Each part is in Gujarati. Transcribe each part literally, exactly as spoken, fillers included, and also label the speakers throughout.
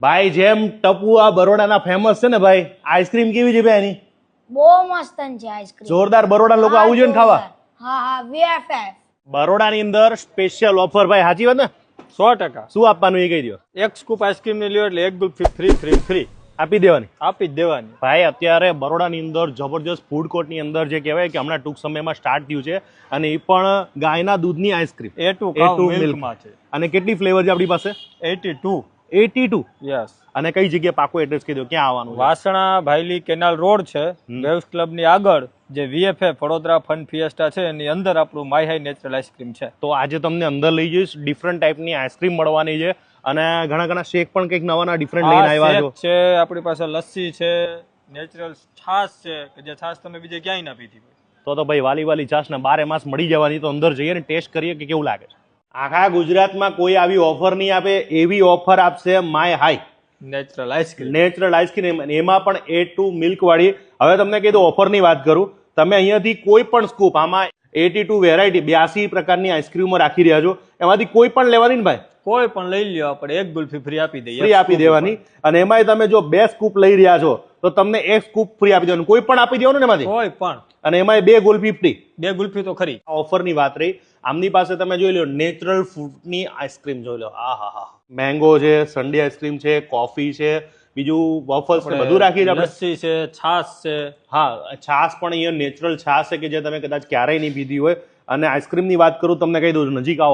Speaker 1: ભાઈ જેમ ટપુ આ બરોડાના ફેમસ છે ને ભાઈ, આઈસ્ક્રીમ કેવી છે ભાઈ એની?
Speaker 2: બહુ મસ્ત છે આઈસ્ક્રીમ.
Speaker 1: જોરદાર. બરોડા લોકો આવું જોઈએ ને ખાવા.
Speaker 2: હા હા વીએફએફ.
Speaker 1: બરોડાની અંદર સ્પેશિયલ ઓફર ભાઈ, સાચી વાત ને?
Speaker 3: સો ટકા.
Speaker 1: શું આપવાનું એ કહી દો.
Speaker 3: એક સ્કૂપ આઈસ્ક્રીમ ને લ્યો એટલે એક ગુલ્ફી ફ્રી ફ્રી ફ્રી
Speaker 1: આપી દેવાની.
Speaker 3: આપી જ દેવાની.
Speaker 1: ભાઈ અત્યારે બરોડાની અંદર જબરજસ્ત ફૂડ કોર્ટની અંદર જે કહેવાય કે હમણાં ટૂંક સમયમાં સ્ટાર્ટ થયું છે, અને એ પણ ગાયના દૂધની ice cream
Speaker 3: A two
Speaker 1: A two
Speaker 3: milk
Speaker 1: milk
Speaker 3: માં છે.
Speaker 1: અને કેટલી ફ્લેવર છે આપણી પાસે?
Speaker 3: Eighty two.
Speaker 1: Eighty two.
Speaker 3: Yes.
Speaker 1: અને કઈ જગ્યાએ પાકું એડ્રેસ કહી દો, ક્યાં આવવાનું?
Speaker 3: વાસણા ભાઈલી કેનાલ રોડ છે, વેવ્સ ક્લબ ની આગળ જે વીએફએફ વડોદરા ફન ફિએસ્ટા છે એની અંદર આપણું માય હાઈ નેચરલ આઈસ્ક્રીમ છે.
Speaker 1: તો આજે તમને અંદર લઈ જઈશ, ડિફરન્ટ ટાઈપની આઈસ્ક્રીમ મળવાની છે, અને ઘણા ઘણા શેક પણ કંઈક નવા નવા ડિફરન્ટ લઈને આવ્યા છો.
Speaker 3: છે આપણી પાસે લસ્સી છે, નેચરલ છાશ છે કે જે છાશ તમે બીજે ક્યાંય ના પીધી હોય.
Speaker 1: તો તો ભાઈ વાલી વાલી છાશ ને બારે માસ મળી જવાની. તો અંદર જઈએ ને ટેસ્ટ કરીએ કે કેવું લાગે છે. આખા ગુજરાતમાં કોઈ આવી ઓફર નહીં આપે એવી ઓફર આપશે my high
Speaker 3: natural ice cream.
Speaker 1: Natural ice cream, એમાં પણ એ ટુ મિલ્ક વાળી. હવે તમને કીધું ઓફરની વાત કરું, તમે અહીંયાથી કોઈ પણ સ્કૂપ, આમાં એટી ટુ વેરાયટી બ્યાસી પ્રકારની આઈસ્ક્રીમો રાખી રહ્યા છો, એમાંથી કોઈ પણ લેવાની ને ભાઈ,
Speaker 3: કોઈ પણ લઈ લ્યો, આપણે એક ગુલ્ફી ફ્રી આપી દઈએ.
Speaker 1: ફ્રી આપી દેવાની. અને એમાંય તમે જો બે સ્કૂપ લઈ રહ્યા છો તો તમને એક સ્કૂપ ફ્રી આપી દેવાનું, કોઈ પણ આપી દેવાનું ને એમાંથી.
Speaker 3: કોઈ પણ.
Speaker 1: અને એમાંય બે ગુલ્ફી ફ્રી.
Speaker 3: બે ગુલ્ફી તો ખરી.
Speaker 1: ઓફરની વાત રહી. આમની પાસે તમે જોઈ લો નેચરલ ફ્રૂટની આઈસ્ક્રીમ જોઈ લો. આ હા હા, મેંગો છે, સન્ડે આઈસ્ક્રીમ છે, કોફી છે, બીજું વોફલ્સ ને બધું રાખી છે આપણે.
Speaker 3: લસ્સી છે, છાશ છે.
Speaker 1: હા, છાશ પણ અહીંયા નેચરલ છાશ છે કે જે તમે કદાચ ક્યારેય નહીં પીધી હોય. અને આઈસ્ક્રીમની વાત કરું, તમને કહી દઉં, નજીક આવો,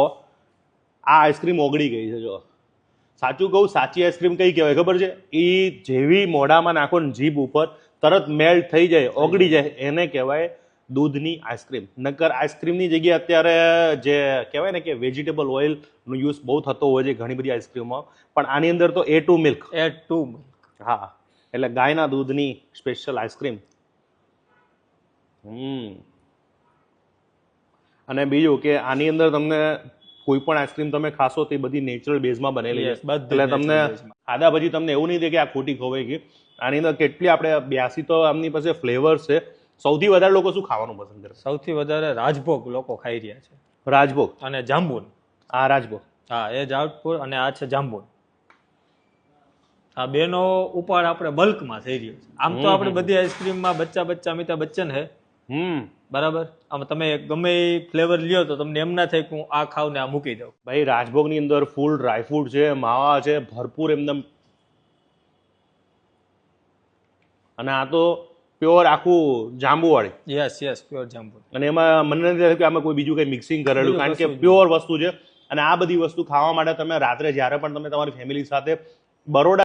Speaker 1: આ આઈસ્ક્રીમ ઓગળી ગઈ છે. જો સાચું કહું, સાચી આઈસ્ક્રીમ કઈ કહેવાય ખબર છે? એ જેવી મોઢામાં નાખો ને જીભ ઉપર તરત મેલ્ટ થઈ જાય, ઓગળી જાય, એને કહેવાય દૂધની આઈસ્ક્રીમ. નકર આઈસ્ક્રીમની જગ્યાએ અત્યારે જે કહેવાય ને કે વેજીટેબલ ઓઇલનો યુઝ બહુ થતો હોય છે ઘણી બધી આઈસ્ક્રીમમાં, પણ આની અંદર તો A two milk.
Speaker 3: A two.
Speaker 1: હા, એટલે ગાયના દૂધની સ્પેશિયલ આઈસ્ક્રીમ. હમ અને બીજું કે આની અંદર તમને કોઈ પણ આઈસ્ક્રીમ તમે ખાશો તો એ બધી નેચરલ બેઝમાં બનેલી છે. એટલે તમને ખાધા પછી તમને એવું નહીં થાય કે આ ખોટી ખવાઈ ગઈ. આની અંદર કેટલી આપણે બ્યાસી તો આમની પાસે ફ્લેવર્સ છે. સૌથી વધારે લોકો શું ખાવાનું પસંદ કરે?
Speaker 3: સૌથી વધારે રાજભોગ લોકો ખાઈ રહ્યા છે.
Speaker 1: રાજભોગ
Speaker 3: અને જાંબુન.
Speaker 1: આ રાજભોગ.
Speaker 3: હા, એ જાંબુન અને આ છે જાંબુન. આ બેનો ઉપાડ આપણે બલ્કમાં થઈ રહ્યો છે. આમ તો આપણે બધી આઈસ્ક્રીમમાં બચ્ચા બચ્ચા અમિતાભ બચ્ચન હે.
Speaker 1: હમ
Speaker 3: બરાબર. આમ તમે ગમે એ ફ્લેવર લ્યો તો તમને એમ ના થાય કે હું આ ખાવ ને આ મૂકી દઉં.
Speaker 1: ભાઈ રાજભોગની અંદર ફૂલ ડ્રાયફ્રૂટ છે, માવા છે, ભરપૂર એમદમ. અને આ તો પ્યોર આખું જાંબુ વાળી.
Speaker 3: યસ યસ, પ્યોર જાંબુ.
Speaker 1: અને એમાં મને નથી લાગતું કે આમાં કોઈ બીજું કંઈ મિક્સિંગ કરેલું, કારણ કે પ્યોર વસ્તુ છે. અને આ બધી વસ્તુ ખાવા માટે તમે રાત્રે જ્યારે પણ તમે તમારી ફેમિલી સાથે બરોડા